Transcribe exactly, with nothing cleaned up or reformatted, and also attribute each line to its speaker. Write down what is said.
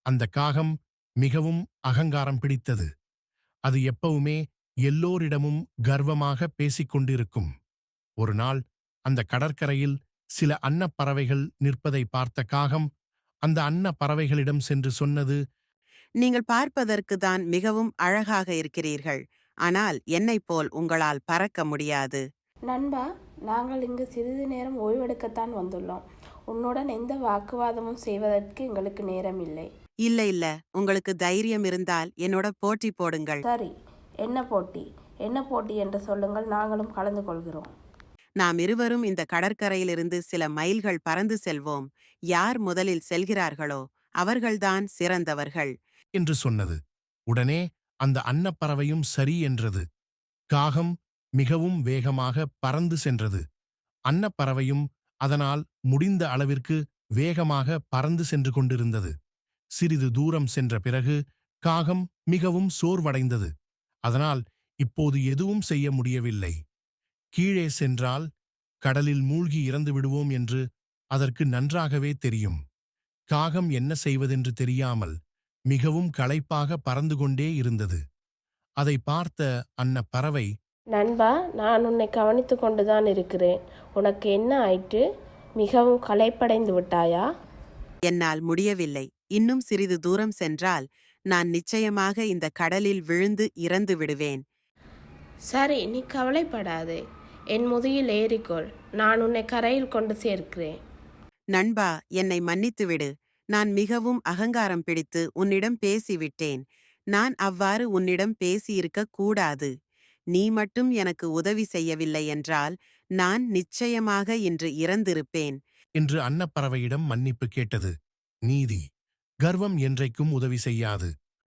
Speaker 1: அந்த காகம் மிகவும் அகங்காரம் பிடித்தது. அது எப்பவுமே எல்லோரிடமும் கர்வமாக பேசிக் கொண்டிருக்கும். ஒரு நாள் அந்த கடற்கரையில் சில அன்னப்பறவைகள் நிற்பதை பார்த்த காகம் அந்த அன்னப் பறவைகளிடம் சென்று சொன்னது,
Speaker 2: நீங்கள் பார்ப்பதற்கு தான் மிகவும் அழகாக இருக்கிறீர்கள். ஆனால் என்னைப் போல் உங்களால் பறக்க முடியாது.
Speaker 3: நண்பா, நாங்கள் இங்கு சிறிது நேரம் ஓய்வெடுக்கத்தான் வந்துள்ளோம். உன்னுடன் எந்த வாக்குவாதமும் செய்வதற்கு எங்களுக்கு நேரம் இல்லை.
Speaker 2: இல்ல இல்ல, உங்களுக்கு தைரியம் இருந்தால் என்னோட போட்டி போடுங்கள்.
Speaker 3: சரி, என்ன போட்டி? என்ன போட்டி என்று சொல்லுங்கள், நாங்களும் கலந்து கொள்கிறோம்.
Speaker 2: நாம் இருவரும் இந்த கடற்கரையிலிருந்து சில மைல்கள் பறந்து செல்வோம். யார் முதலில் செல்கிறார்களோ அவர்கள்தான் சிறந்தவர்கள்.
Speaker 1: என்று சொன்னது. உடனே அந்த அன்னப்பறவையும் சரி என்றது. காகம் மிகவும் வேகமாக பறந்து சென்றது. அன்னப்பறவையும் அதனால் முடிந்த அளவிற்கு வேகமாக பறந்து சென்று கொண்டிருந்தது. சிறிது தூரம் சென்ற பிறகு காகம் மிகவும் சோர்வடைந்தது. அதனால் இப்போது எதுவும் செய்ய முடியவில்லை. கீழே சென்றால் கடலில் மூழ்கி இறந்து விடுவோம் என்று அதற்கு நன்றாகவே தெரியும். காகம் என்ன செய்வதென்று தெரியாமல் மிகவும் களைப்பாக பறந்து கொண்டே இருந்தது. அதை பார்த்த அன்னப் பறவை,
Speaker 3: நண்பா, நான் உன்னை கவனித்து கொண்டுதான் இருக்கிறேன். உனக்கு என்ன ஆயிற்று? மிகவும் களைப்படைந்து விட்டாயா?
Speaker 2: என்னால் முடியவில்லை. இன்னும் சிறிது தூரம் சென்றால் நான் நிச்சயமாக இந்த கடலில் விழுந்து இறந்து விடுவேன்.
Speaker 3: சரி, நீ கவலைப்படாதே. என் முதுகில் ஏறிக்கொள். நான் உன்னை கரையில் கொண்டு சேர்க்கிறேன்.
Speaker 2: நண்பா, என்னை மன்னித்துவிடு. நான் மிகவும் அகங்காரம் பிடித்து உன்னிடம் பேசிவிட்டேன். நான் அவ்வாறு உன்னிடம் பேசியிருக்க கூடாது. நீ மட்டும் எனக்கு உதவி செய்யவில்லை என்றால் நான் நிச்சயமாக இன்று இறந்திருப்பேன்.
Speaker 1: என்று அன்னப்பறவையிடம் மன்னிப்பு கேட்டது. நீதி, கர்வம் என்றைக்கும் உதவி செய்யாது.